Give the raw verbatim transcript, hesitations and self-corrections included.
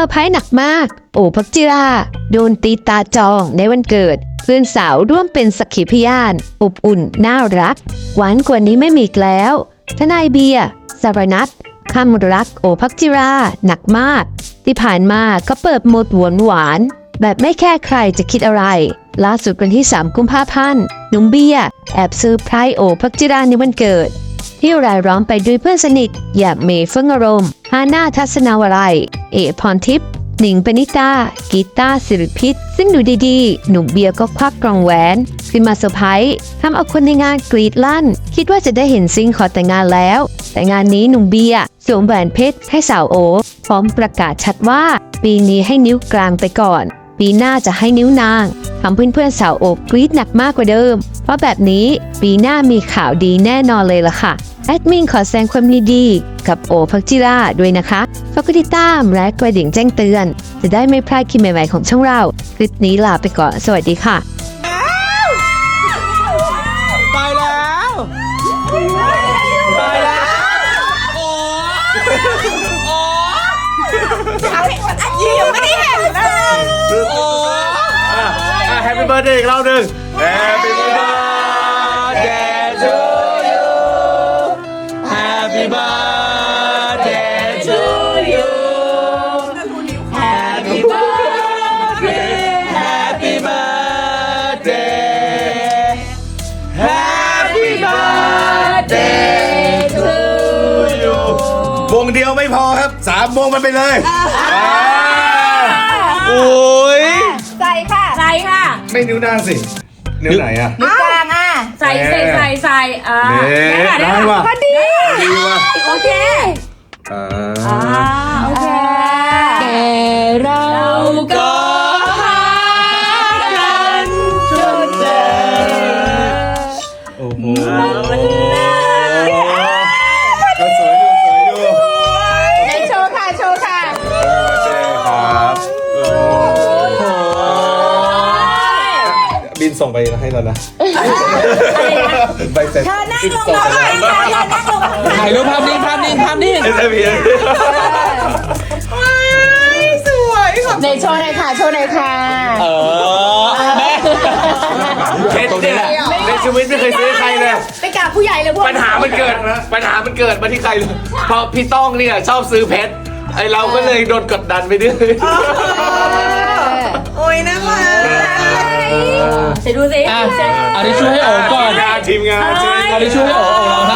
ร์ไพรส์หนักมากโอภักจิราโดนตีตาจองในวันเกิดเพื่อนสาวร่วมเป็นสักขีพยานอบอุ่นน่ารักหวานกว่านี้ไม่มีอีกแล้วทนายเบียร์สารนัทคำรักโอภักจิราหนักมากที่ผ่านมาก็เปิดโหมดหวานหวานแบบไม่แค่ใครจะคิดอะไรล่าสุดวันที่สามกุมภาพันธ์หนุ่มเบียร์แอบซื้อไพรส์โอภักจิราในวันเกิดที่รายล้อมไปด้วยเพื่อนสนิทอย่างเมย์เฟิงอารมณ์ฮาน่าทัศนาวรัยเอพรทิพย์หนิงปณิตากีตาร์สิริพิษซึ่งดูดีๆหนุ่มเบียร์ก็ควักกล่องแหวนขึ้นมาเซอร์ไพรส์ทำเอาคนในงานกรีดลั่นคิดว่าจะได้เห็นซิงขอแต่งงานแล้วแต่งานนี้หนุ่มเบียร์สวมแหวนเพชรให้สาวโอพร้อมประกาศชัดว่าปีนี้ให้นิ้วกลางไปก่อนปีหน้าจะให้นิ้วนางทำเพื่อนๆสาวโอกรีดหนักมากกว่าเดิมเพราะแบบนี้ปีหน้ามีข่าวดีแน่นอนเลยล่ะค่ะแอดมินขอแสดงความยินดีกับโอภักจิราด้วยนะคะฝากกดติดตามและกระดิ่งแจ้งเตือนจะได้ไม่พลาดคลิปใหม่ๆของช่องเราคลิปนี้ลาไปก่อนสวัสดีค่ะไปแล้วไปแล้วโอ้โอ้อันนี้ยังไม่ได้เห็นเลยโอ้แฮปปี้เบิร์ดเดย์อีกรอบหนึ่ง Happy birthday to you Happy birthday to you Happy birthday Happy birthday Happy birthday to you วงเดียวไม่พอครับสามวงมันไปเลยโอ้ยใส่ค่ะใส่ค่ะไม่นิ้วนางสิ นิ้วไหนอะนิ้วกลางอ่ะใส่ใส่ใส่ใส่อ่าได้ว่ะพอดีดีว่ะโอเคอ่าโอเคแต่เราก็หากันจนเจอโอ้โหก็สวยอยู่สวยอยู่ไหนโชว์ค่ะโชว์ค่ะใช่ครับบินส่งไปให้เรานะใบเสร็จเธอนั่งลงมาถ่ายรูปภาพนิ่งภาพนิ่งภาพนิ่งใช่พี่สวยในโชว์หน่อยค่ะโชว์หน่อยค่ะเออแม่เพชรเนี่ยในชีวิตไม่เคยซื้อใครเลยไปกราบผู้ใหญ่เลยพวกปัญหามันเกิดปัญหามันเกิดมาที่ใครเลยเพราะพี่ต้องเนี่ยชอบซื้อเพชรไอเราก็เลยโดนกดดันไปด้วยโอ้ยน่ารักเดี๋ยวดูสิเอาดิช่วยให้โอ๋ก่อนทีมงานเอาดิช่วยให้โอ๋โอ๋ร้องไห้